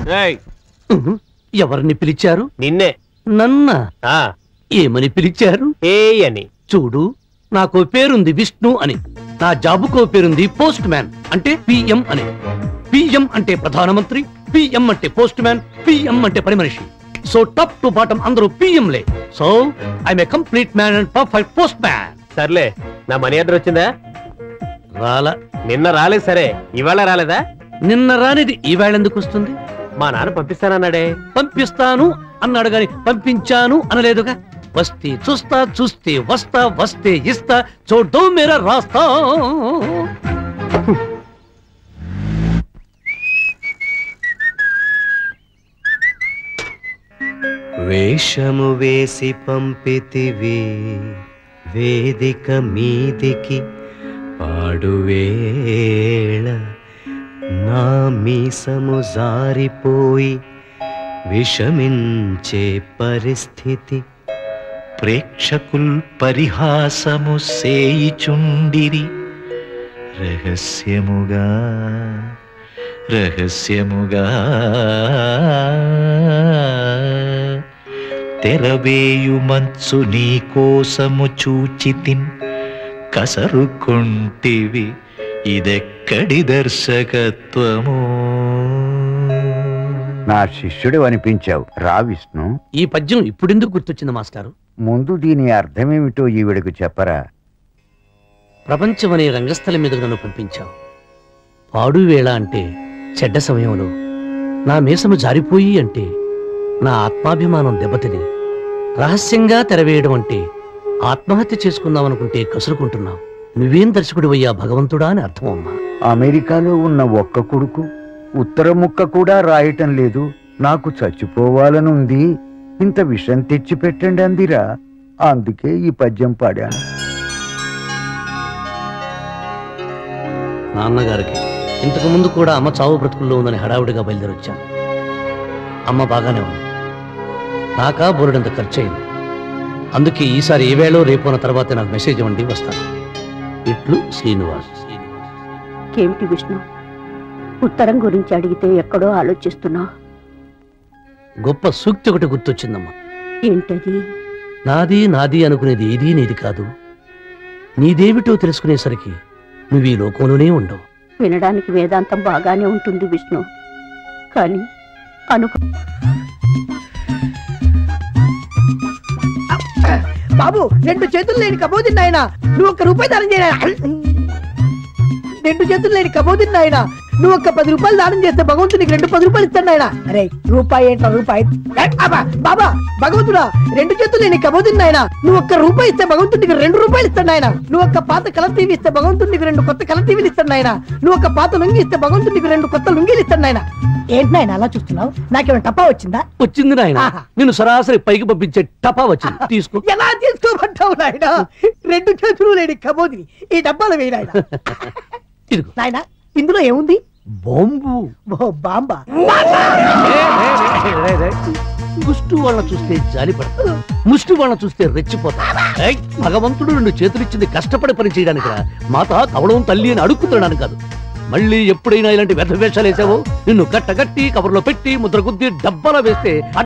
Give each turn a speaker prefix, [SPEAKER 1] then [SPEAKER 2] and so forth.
[SPEAKER 1] ఎవరిని పిలిచారు?
[SPEAKER 2] నిన్నే.
[SPEAKER 1] నన్నా? ఏమని పిలిచారు?
[SPEAKER 2] ఏ అని.
[SPEAKER 1] చూడు, నాకు పేరుంది విష్ణు అని, నా జాబుకో పేరుంది పోస్ట్ మ్యాన్ అంటే పిఎం అని. పిఎం అంటే ప్రధానమంత్రి, పిఎం అంటే పోస్ట్ మ్యాన్, పిఎం అంటే పని మనిషి. సో టాప్ టు బాటం అందరూ పిఎంలే. So I'm a complete man and perfect postman.
[SPEAKER 2] సర్లే, నా మనీ ఆర్డర్ వచ్చిందా?
[SPEAKER 1] రాలా.
[SPEAKER 2] నిన్న రాలేదు. సరే, ఇవాళ రాలేదా?
[SPEAKER 1] నిన్న రానిది ఈవేళ ఎందుకు వస్తుంది?
[SPEAKER 2] మా నాన్న పంపిస్తానన్నాడే.
[SPEAKER 1] పంపిస్తాను అన్నాడు గాని పంపించాను అనలేదుగా. వస్తే చూస్తా, చూస్తే వస్తా, వస్తే ఇస్తా, చూడ్డో మేరా రాస్తా.
[SPEAKER 3] వేషము వేసి పంపితివి వేదిక మీదికి పాడువేళ, నా మీసము జారిపోయి విషమించే పరిస్థితి. ప్రేక్షకుల్ పరిహాసము సేయిచుండిరి రహస్యముగా రహస్యముగా. తెరవేయు మంచు నీ కోసము చూచితిన్, కసరుకుంటివి ఇదెక్కడి దర్శకత్వము.
[SPEAKER 4] నా శిష్యుడు అనిపించావు రా విష్ణు.
[SPEAKER 1] ఈ పద్యం ఇప్పుడెందుకు గుర్తొచ్చింది మాస్టారు?
[SPEAKER 4] ముందు దీని అర్థమేమిటో ఈవిడకు చెప్పరా.
[SPEAKER 1] ప్రపంచం అనే రంగస్థలం మీదకు నన్ను పంపించావు. పాడువేళ అంటే చెడ్డ సమయంలో నా మీసము జారిపోయి అంటే నా ఆత్మాభిమానం దెబ్బతిని, రహస్యంగా తెరవేయడం అంటే ఆత్మహత్య చేసుకుందామనుకుంటే కసురుకుంటున్నావు. నువ్వేం దర్శకుడివయ్యా భగవంతుడా అని అర్థం అమ్మా.
[SPEAKER 4] అమెరికాలో ఉన్న ఒక్క కొడుకు ఉత్తర ముక్క కూడా రాయటం లేదు. నాకు చచ్చిపోవాలనుంది, ఇంత విషం తెచ్చి పెట్టండి అందిరా. అందుకే ఈ పద్యం పాడాను.
[SPEAKER 1] నాన్నగారికి ఇంతకు ముందు కూడా అమ్మ చావు బ్రతుకుల్లో ఉందని హడావుడిగా బయలుదేరొచ్చాను. అమ్మ బాగానే ఉంది, నాకా బోరుడంత ఖర్చు అయింది. అందుకే ఈసారి ఏ వేళో రేపు తర్వాత నాకు మెసేజ్ ఇవ్వండి, వస్తాను. ఇట్లు శ్రీనివాస్.
[SPEAKER 5] ఏమిటి విష్ణు, ఉత్తరం గురించి అడిగితే ఎక్కడో ఆలోచిస్తున్నావు?
[SPEAKER 1] గొప్ప సూక్తి ఒకటి గుర్తొచ్చిందమ్మా.
[SPEAKER 5] ఏంటది?
[SPEAKER 1] నాది నాది అనుకునేది ఏదీ నీది కాదు, నీదేమిటో తెలుసుకునేసరికి నువ్వు ఈ లోకంలోనే ఉండవు.
[SPEAKER 5] వినడానికి వేదాంతం బాగానే ఉంటుంది విష్ణు, కానీ
[SPEAKER 6] బాబు, 2 చేతులు లేని కబోదిన్ నాయన, నువ్వు 1 రూపాయి దానం చేయనా? 2 చేతులు లేని కబోదిన్ నాయన, నువ్వు 10 రూపాయలు దానం చేస్తే భగవంతుడు నీకు 10 రూపాయలు ఇస్తాడు నాయన. అరే రూపాయి ఏంట్రా రూపాయి? బాబా భగవంతుడా, 2 చేతులు లేని కబోదిన్ నాయన, నువ్వు 1 రూపాయి ఇస్తే భగవంతుడు నీకు 2 రూపాయలు ఇస్తాడు నాయన. నువ్వు 1 పాత కలర్ టీవీ ఇస్తే భగవంతుడు నీకు 2 కొత్త కలర్ టీవీలు ఇస్తాడు నాయన. నువ్వు 1 పాత లుంగి ఇస్తే భగవంతుడు నీకు 2 కొత్త లుంగీలు ఇస్తాడు నాయన. ఏంటి నాయన అలా చూస్తున్నావు? నాకేమైనా టపా వచ్చిందా?
[SPEAKER 1] వచ్చింది నాయన, నేను సరాసరి పైకి పంపించే టపా వచ్చింది. తీసుకో.
[SPEAKER 6] ఎలా తీసుకోమంటావు నాయన? 2 చేతులు లేని కబోదిని ఈ డబ్బాలో వేయి నాయన. నాయన ఇందులో ఏముంది?
[SPEAKER 1] బాంబు.
[SPEAKER 6] బాంబా?
[SPEAKER 1] ముష్టి వాళ్ళని చూస్తే జాలిపడతా, ముష్టి వాళ్ళని చూస్తే రెచ్చిపోతా. భగవంతుడు 2 చేతులిచ్చింది కష్టపడి పని చేయడానికి, మాత కవడం తల్లి అని అడుక్కుతున్నాను కాదు. మళ్ళీ ఎప్పుడైనా ఇలాంటి వ్యర్థ వేషాలు వేసావో నిన్ను కట్టగట్టి కవర్లో పెట్టి ముద్ర గుద్ది డబ్బాలో వేస్తే